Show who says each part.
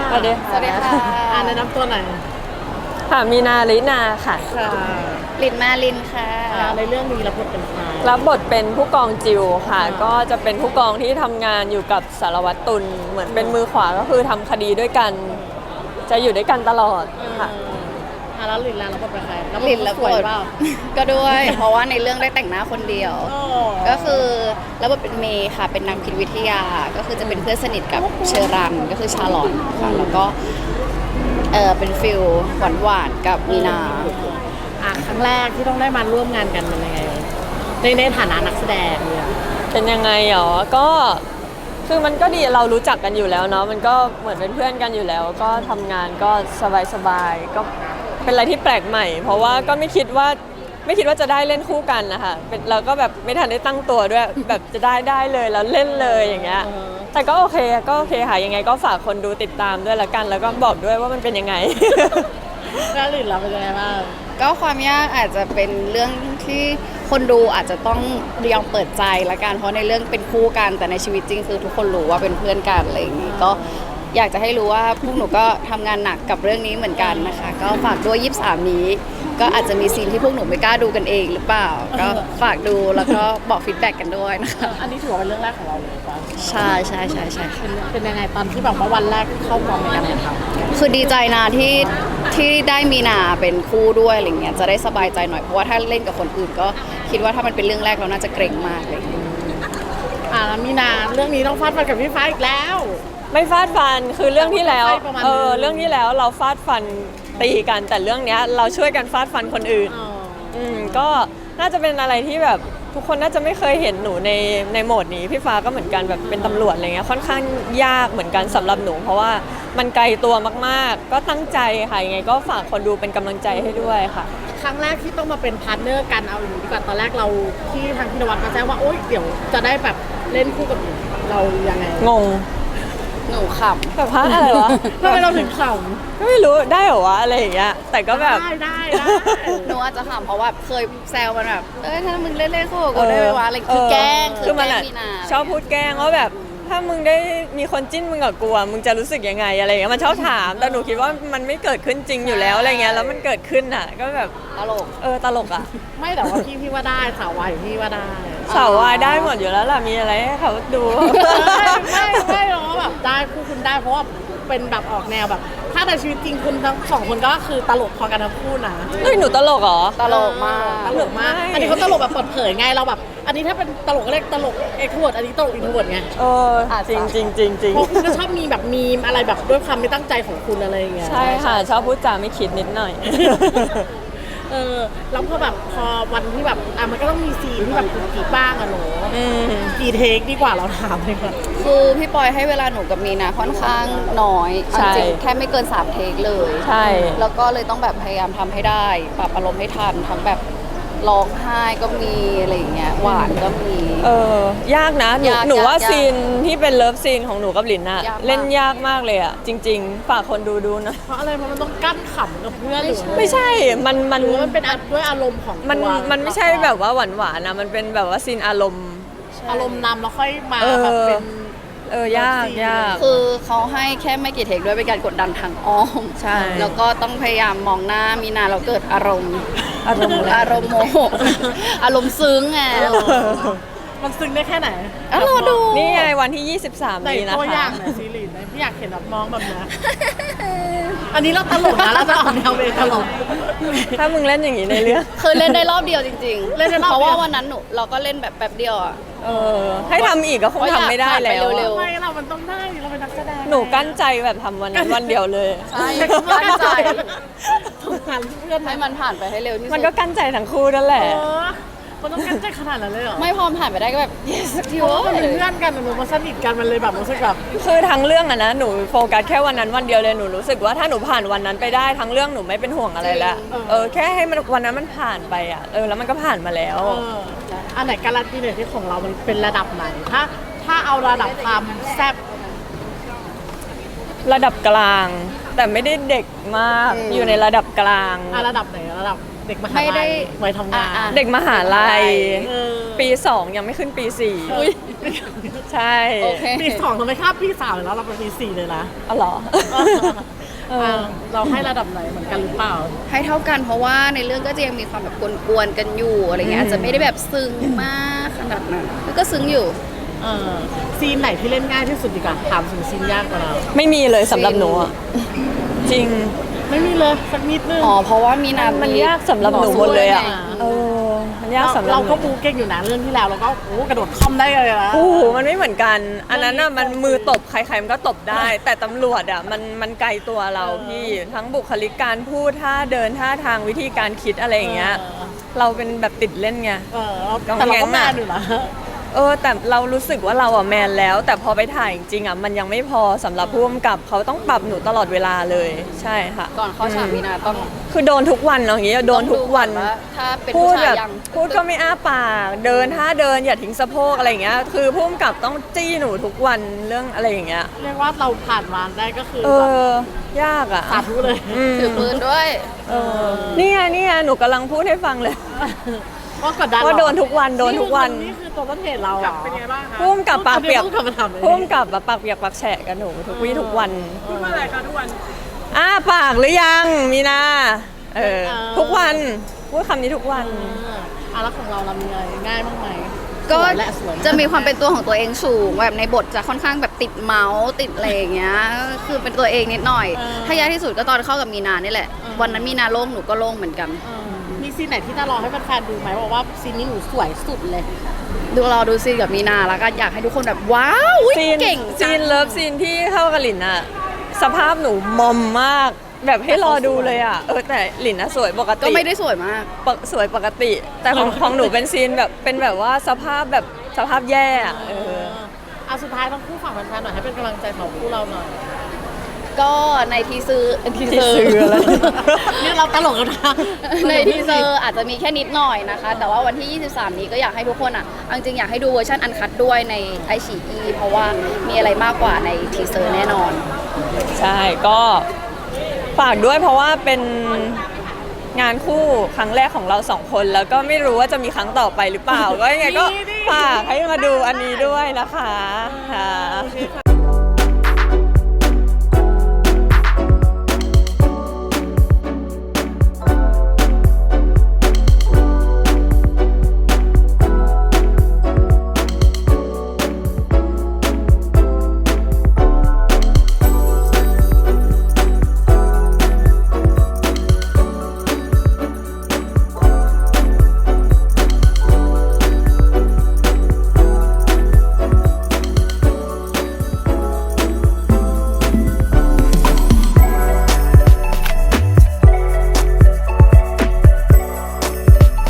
Speaker 1: สวัสดี
Speaker 2: สวัสดีค่ะ
Speaker 1: แนะนำตัวหน่อย
Speaker 3: ค่ะมีนาลินาค่ะ
Speaker 1: ค่ะ
Speaker 2: ลินมาลินค่ะ
Speaker 1: ในเรื่องนี้รับบทเป็นใคร
Speaker 3: รับบทเป็นผู้กองจิวค่ะ ก็จะเป็นผู้กองที่ทำงานอยู่กับสารวัตรตุลเหมือนเป็นมือขวาก็คือทำคดีด้วยกัน จะอยู่ด้วยกันตลอดค่ะ
Speaker 1: แล้วลินรับบทเป็นใคร
Speaker 2: ลินแล้ว
Speaker 1: สวยเปล่า
Speaker 2: ก็ด้วย เพราะว่าในเรื่องได้แต่งหน้าคนเดียว ก็คือรับบทเป็นเมย์ค่ะ เป็นนักพิษวิทยา ก็คือจะเป็นเพื่อนสนิทกับเชอรันก็คือชาลอนค่ะแล้วก็เป็นฟิลหวานๆกับมีนา
Speaker 1: ครั้งแรกที่ต้องได้มาร่วมงานกันเป็นยังไงในฐานะนักแสดงเนี่ย
Speaker 3: เป็นยังไงหรอก็คือมันก็ดีเรารู้จักกันอยู่แล้วเนาะมันก็เหมือนเป็นเพื่อนกันอยู่แล้ว ก็ทำงานก็สบายๆก็เป็นอะไรที่แปลกใหม่ เพราะว่าก็ไม่คิดว่าจะได้เล่นคู่กันนะคะเป็นเราก็แบบไม่ทันได้ตั้งตัวด้วย แบบจะได้เลยแล้วเล่นเลยอย่างเงี้ยแต่ก็โอเคค่ะยังไงก็ฝากคนดูติดตามด้วยละกัน แล้วก็บอกด้วยว่ามันเป็นยังไง
Speaker 1: แล้วลินเราเป็นยังไงบ้าง
Speaker 2: ก็ความยากอาจจะเป็นเรื่องที่คนดูอาจจะต้องยอมเปิดใจละกันเพราะในเรื่องเป็นคู่กันแต่ในชีวิตจริงคือทุกคนรู้ว่าเป็นเพื่อนกันอะไรอย่างนี้ก็อยากจะให้รู้ว่าพวกหนูก็ทำงานหนักกับเรื่องนี้เหมือนกันนะคะก็ฝากด้วย23นี้ก็อาจจะมีซีนที่พวกหนูไม่กล้าดูกันเองหรือเปล่าก็ฝากดูแล้วก็บอกฟีดแบ็กกันด้วยนะคะ
Speaker 1: อันนี้ถือว่าเป็นเรื่องแรกของเราเลยป่ะ
Speaker 2: ใช่ค่ะ
Speaker 1: เป็นยังไงตอนที่แบบว่าวันแรกเข้ากองในการถ่ายทำ
Speaker 2: คือดีใจนะที่ได้มีนาเป็นคู่ด้วยอะไรเงี้ยจะได้สบายใจหน่อยเพราะว่าถ้าเล่นกับคนอื่นก็คิดว่าถ้ามันเป็นเรื่องแรกเราน่าจะเกรงมากเลย
Speaker 1: แล้วมีนาเรื่องนี้ต้องฟาดฟันกับพี่ฟ้าอีกแล้ว
Speaker 3: ไม่ฟาดฟันคือเรื่องที่แล้ว
Speaker 1: ประมาณนึง
Speaker 3: เรื่องที่แล้วเราฟาดฟันตีกันแต่เรื่องเนี้ยเราช่วยกันฟาดฟันคนอื่น ก็น่าจะเป็นอะไรที่แบบทุกคนน่าจะไม่เคยเห็นหนูในโหมดนี้พี่ฟ้าก็เหมือนกันแบบเป็นตำรวจอะไรเงี้ยค่อนข้างยากเหมือนกันสำหรับหนู เพราะว่ามันไกลตัวมากๆ ก็ตั้งใจค่ะยังไงก็ฝากคนดูเป็นกำลังใจให้ด้วยค่ะ
Speaker 1: ครั้งแรกที่ต้องมาเป็นพาร์ทเนอร์กันเอาอย่างนี้ดีกว่าตอนแรกเราที่ทางพินวัตมาแจ้งว่าโอ๊ยเดี๋ยวจะได้แบบเล่นคู่กับเรายังไง
Speaker 3: งง
Speaker 2: หนูข
Speaker 3: แบบฮะอะไรวะ
Speaker 1: ทำไมเราถึงข
Speaker 3: ก็ไม่รู้ได้เหรอวะอะไรอย่างเงี้ยแต่ก็
Speaker 1: ำ
Speaker 3: แบบ
Speaker 1: ได้
Speaker 2: ำหนูอาจจะขำเพราะว่าเคยแซวมันแบบถ้ามึงเล่นคู่กับกูได้ไหมวะอะไรคือแกล้ง
Speaker 3: คือมัน
Speaker 2: แกล้
Speaker 3: อะ
Speaker 2: งมีนา
Speaker 3: ชอบพูดแกล้งว่าแบบถ้ามึงได้มีคนจิ้นมึงกับกูอะมึงจะรู้สึกยังไงอะไรอย่างเงี้ยมันชอบถามแต่หนูคิดว่ามันไม่เกิดขึ้นจริงอยู่แล้วอะไรเงี้ยแล้วมันเกิดขึ้นอ่ะก็แบบ
Speaker 2: ตลก
Speaker 3: ตลกอ่ะ
Speaker 1: ไม่แต่ว่าพี่ว่าได้สาววายพี่ว่าได้
Speaker 3: สาววายได้หมดอยู่แล้วล่ะมีอะไรให้เขาดู
Speaker 1: ไม่หรอกแบบได้คู่คุณได้เพราะว่าเป็นแบบออกแนวแบบ ถ้าในชีวิตจริงคุณทั้งสองคนก็คือตลกพอกันทั้งคู่นะ
Speaker 3: เฮ้ยหนูตลกเหรอ
Speaker 2: ตลกมาก
Speaker 1: ตลกมาก
Speaker 3: ไม่
Speaker 1: อันนี้เขาตลกแบบเปิดเผยไงเราแบบ อันนี้ถ้าเป็นตลกก็เรียกตลกเอ็กโทรเวิร์ดอันนี้ตลกอินโทรเวิร์ดไง
Speaker 3: จริงจริงจริงจริง
Speaker 1: เพราะคุณก็ชอบมีแบบมีมอะไรแบบด้วยความไม่ตั้งใจของคุณอะไรอย่างเงี้ย
Speaker 3: ใช่ค่ะชอบพูดจาไม่คิดนิดหน่อย
Speaker 1: แล้วพอวันที่แบบมันก็ต้องมีซีนที่แบบกุ๊กกิ๊กบ้างอะหนูกี่เทคดีกว่าเราถามเลยค่ะ
Speaker 2: คือพี่ปอยให้เวลาหนูกับมีนาค่อนข้างน้อย
Speaker 3: ใช่
Speaker 2: จริงๆแค่ไม่เกิน3เทคเลย
Speaker 3: ใช่
Speaker 2: แล้วก็เลยต้องแบบพยายามทำให้ได้ปรับอารมณ์ให้ทันทั้งแบบร้องไห้ก็มีอะไรอย่างเงี้ยหวานก็มี
Speaker 3: ยากนะหนู
Speaker 2: ยาก
Speaker 3: หนูว่าย
Speaker 2: าก
Speaker 3: ซีนที่เป็นเลิฟซีนของหนูกับหลินอะ
Speaker 2: ยากมาก
Speaker 3: เล่นยากมากเลยอะจริง ๆ ฝากคนดูนะ
Speaker 1: เพราะอะไรเพราะมันต้องกั้นขำกับเพื่อนหรือ
Speaker 3: ไม่ใช่มัน
Speaker 1: หรือว่ามันเป็นด้วยอารมณ์ของ
Speaker 3: มัน
Speaker 1: ตัว
Speaker 3: มันไม่ใช่แบบว่าหวานๆนะมันเป็นแบบว่าซีนอารมณ์
Speaker 1: อารมณ์นำแล้วค่อยมาแบบเป็น
Speaker 3: ยากยาก
Speaker 2: คือเขาให้แค่ไม่กี่เทคด้วยเป็นการกดดันทางอ้อม
Speaker 3: ใช่
Speaker 2: แล้วก็ต้องพยายามมองหน้ามีนาเราเกิดอารมณ์
Speaker 3: อารมณ์อะไร
Speaker 2: อารมณ์โมโห อารมณ์ซึ้งไง
Speaker 1: มันซึ้งได้แค่ไหน
Speaker 2: รอดู
Speaker 3: นี่ไงวันที่ 23
Speaker 1: ใน
Speaker 3: นี้นะ
Speaker 1: ตัวอย่า
Speaker 3: คะ
Speaker 1: งไหนซีรีส์ไหนพี่อยากเห็นแบบน้องแบบนี้ อันนี้เราตลกนะเราจะออกแนวเวตลก
Speaker 3: ถ้ามึงเล่นอย่างนี้ในเรื่อง
Speaker 2: คือเล่นได้รอบเดียวจริงๆ
Speaker 1: เล่นได้รอบเดียว
Speaker 2: เพราะว่าวันนั้นเราก็เล่นแบบแป๊บเดียวอ่ะ
Speaker 3: ให้ทำอีกก็คงทำไม่ได้แล้ว
Speaker 2: เร็ว
Speaker 1: ไม่เรามันต้องได้เราเป็นนักแสดง
Speaker 3: หนูกั้นใจแบบทำวันนั้นวันเดียวเลย
Speaker 2: ใช่กั้นใจ
Speaker 1: สงสารเพื่อน
Speaker 2: ให้มันผ่านไปให้เร็วที่สุด
Speaker 3: มันก็กั้นใจทั้งคู่นั่นแหละ
Speaker 1: มันต้องกั้นใจขนาดนั้นเลยเหรอ
Speaker 2: ไม่พอผ่านไปได้ก็แบบ yes สักที
Speaker 1: เพราะ
Speaker 2: วะ
Speaker 1: ว่ามันเป็นเพื่อนกันหนูมาสนิทกันมันเลยแบบรู้สึกแบบ
Speaker 3: คือทั้งเรื่องอะนะหนูโฟกัสแค่วันนั้นวันเดียวเลยหนูรู้สึกว่าถ้าหนูผ่านวันนั้นไปได้ทั้งเรื่องหนูไม่เป็นห่วงอะไรแล้วแค่ให้มันวันนั้นมันผ่านไปอะแล้วมันก็ผ่านมาแล้ว
Speaker 1: อันไหนการันตีเนี่ยที่ของเรามันเป็นระดับไหนถ้าเอาระดับความแซ่บ
Speaker 3: ระดับกลาง แต่ไม่ได้เด็กมากอยู่ในระดับกลาง
Speaker 1: ระดับไหนระดับเด็กมหา
Speaker 2: ไม่ได้
Speaker 1: ลัยวัยทำงาน
Speaker 3: เด็กมหาลัย
Speaker 1: เออ
Speaker 3: ปี 2 ยังไม่ขึ้นปี
Speaker 1: อุ๊ย
Speaker 3: 4 ใช่
Speaker 2: โอเค
Speaker 1: ปีสองทำไมข้ามปีสามแล้วเราเป็นปีสี่เลยนะ
Speaker 3: อ๋อเหรอ
Speaker 1: เราให้ระดับไหนเหมือนกันหรือเปล่า
Speaker 2: ให้เท่ากันเพราะว่าในเรื่องก็จะยังมีความแบบกวนๆกันอยู่อะไรเงี้ยอาจจะไม่ได้แบบซึ้งมากขนาดนั้นแล้วก็ซึ้งอยู่
Speaker 1: ซีนไหนที่เล่นง่ายที่สุดดีกว่าถามถึงซีนยากกว่าเรา
Speaker 3: ไม่มีเลยสำหรับหนูอะจริง
Speaker 1: ไม่มีเลยสักนิดนึง
Speaker 2: อ๋อเพราะว่ามีนา
Speaker 3: มันยากสำหรับหนูหมดเลยอะ เออ มันยากสำหรับ
Speaker 1: เรา
Speaker 3: หนู
Speaker 1: ก็บูเก่งอยู่นะเรื่องที่แล้วเราก็โอ้กระโดดคอมได้เลยนะ
Speaker 3: โอ้โหมันไม่เหมือนกัน อันนั้นน่ะมันมือตบใครๆมันก็ตบได้ แต่ตำรวจอะมันไกลตัวเราพี่ ทั้งบุคลิกการพูดท่าเดินท่าทางวิธีการคิดอะไรอย่างเงี้ย เราเป็นแบบติดเล่นไง
Speaker 1: แต่เราก็แมนอยู่นะ
Speaker 3: แต่เรารู้สึกว่าเราอะแมนแล้ว แต่พอไปถ่ายจริงๆอะมันยังไม่พอสำหรับผู้กำกับเขาต้องปรับหนูตลอดเวลาเลย ใช่ค่ะ
Speaker 2: ก่อนเข้าฉากมีนาต้อง
Speaker 3: คือโดนทุกวันเนาะอย่างงี้โดนทุกวัน
Speaker 2: ต้องดูก่อว่าถ้าเป็น
Speaker 3: พู
Speaker 2: ผู้
Speaker 3: ด
Speaker 2: ชา
Speaker 3: แบ
Speaker 2: ย
Speaker 3: บ
Speaker 2: ยัง
Speaker 3: พูดก็ไม่อ้าปากเดินท่าเดินอย่าทิ้งสะโพกอะไรอย่างเงี้ยคือผู้กำกับต้องจี้หนูทุกวันเรื่องอะไรอย่างเงี้ย
Speaker 1: เรียกว่าเราผ่านมาได้ก็คือ
Speaker 3: เอ
Speaker 1: แบบ
Speaker 3: อยากอะ
Speaker 1: สาธุเลย
Speaker 2: ถือปืนด้วย
Speaker 3: นี่ไงหนูกำลังพูดให้ฟังเลย
Speaker 1: ว่ากดดัน
Speaker 3: ว่าโดนทุกวันโดนทุกวัน
Speaker 1: นี่คือตัวต้นเหตุเราเหรอเป็นไงบ้างคะ
Speaker 3: ผู้กำกับปากเปียก
Speaker 1: ผู้กำกับมาทำเลย
Speaker 3: ผู้กำกับแบบปากเปียกปากแฉะกับหนูทุกวี่ทุกวัน
Speaker 1: พูดว่าอะไรคะทุกวัน
Speaker 3: อ้าปากหรือยังมีนาทุกวันพูดคำนี้ทุกวัน
Speaker 1: แล้วของเรามีอะไรง่ายบ้างไหม
Speaker 2: ก็
Speaker 1: สวยและสวย
Speaker 2: จะมีความเป็นตัวของตัวเองสูงแบบในบทจะค่อนข้างแบบติดเมาส์ติดอะไรอย่างเงี้ยคือเป็นตัวเองนิดหน่อย ถ้ายากที่สุดก็ตอนเข้ากับมีนานี่แหละ วันนั้นมีนาโล่งหนูก็โล่งเหมือนกัน
Speaker 1: มีซีนไหนที่น่ารอให้แฟนๆดูไหมบอกว่าซีนนี้หนูสวยสุดเลย
Speaker 2: ดูรอดูซีนกับมีนาแล้วก็อยากให้ทุกคนแบบว้าวอุ๊ย
Speaker 3: ซีน
Speaker 2: เก่งจั
Speaker 3: ซี
Speaker 2: ง
Speaker 3: นเลิฟซีนที่เข้ากับหลินอะสภาพหนูมอมมาก แบบให้รอดูเลยอะแต่หลินอะสวยปกติ
Speaker 2: ก็ไม่ได้สวยมาก
Speaker 3: สวยปกติ แต่ของหนูเป็นซีนแบบเป็นแบบว่าสภาพแย่อะ
Speaker 1: สุดท้ายต้องคู่ฝั่งแฟนๆหน่อยให้เป็นกำลังใจของคู่เราหน่อย
Speaker 2: ก็ในทีเซอร์
Speaker 3: อะไร
Speaker 1: นี่เราตลกกันนะ
Speaker 2: ในทีเซอร์อาจจะมีแค่นิดหน่อยนะคะ แต่ว่าวันที่ 23 นี้ก็อยากให้ทุกคนอ่ะเอาจริงๆอยากให้ดูเวอร์ชันอันคัดด้วยในไอฉีอีเพราะว่ามีอะไรมากกว่าในทีเซอร์แน่นอน
Speaker 3: ใช่ก็ฝากด้วยเพราะว่าเป็นงานคู่ครั้งแรกของเราสองคนแล้วก็ไม่รู้ว่าจะมีครั้งต่อไปหรือเปล่า ก็ยังไงก็ฝากให้มาดูอันนี้ด้วยนะคะค่ะ